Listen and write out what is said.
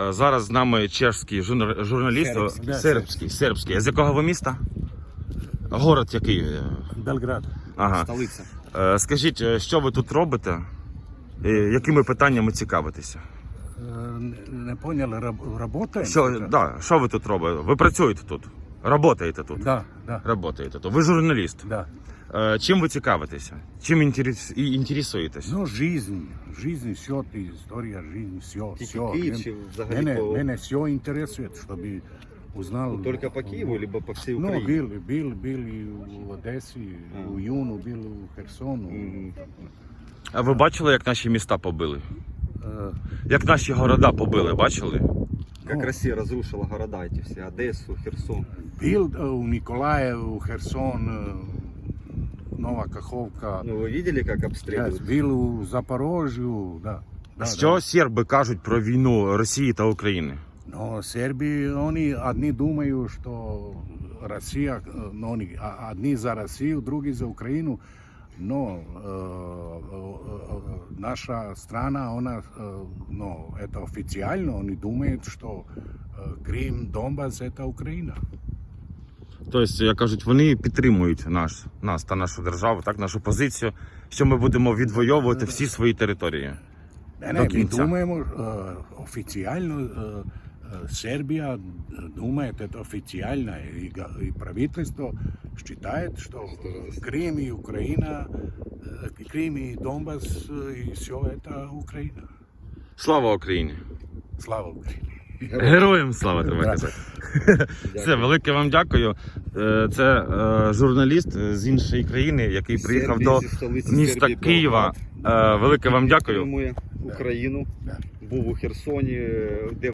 Зараз з нами чешський журналіст. Сербський. А з якого ви міста? Город який? Белград. Ага. Столиця. Скажіть, що ви тут робите? І якими питаннями цікавитеся? Не поняли, работаем? Що ви тут робите? Ви працюєте тут? Работаєте тут? Да. Работаєте тут. Ви журналіст? Да. Чим ви цікавитеся? Чим інтересуєтесь? Ну, жизнь, все, история, жизнь, все. Київ чи взагалі по... Мене все интересует, чтобы узнал. Только по Киеву, либо по всей Ну, Украине? был и в Одессе, у Юну, был у Херсону. А ви бачили, як наші міста побили? Э, Як наші города побили, бачили? Как Россия разрушила города эти все, Одессу, Херсон. Был у Николаев, у Херсон, Нова Каховка. Ну, вы видели, как обстреливают? Был у Запорожью, да. Що серби кажуть про війну Росії та України? Но Сербии, они одни думают, что Россия, но они одни за Россию, другие за Украину. Но наша страна, она, это официально, они думают, что Крым, Донбасс это Украина. Тобто, як кажуть, вони підтримують нас та нашу державу, так, нашу позицію, що ми будемо відвоювати всі свої території. Не, ми думаємо, официально Сербия думает, это официально, и правительство считает, что Крым и Украина, Крым и Донбасс, и все это Украина. Слава Україні! Слава Україні! Героям слава, треба казати. Все, велике вам дякую. Це журналіст з іншої країни, який приїхав до міста Києва. Велике вам дякую. Підтримує Україну. Був у Херсоні, де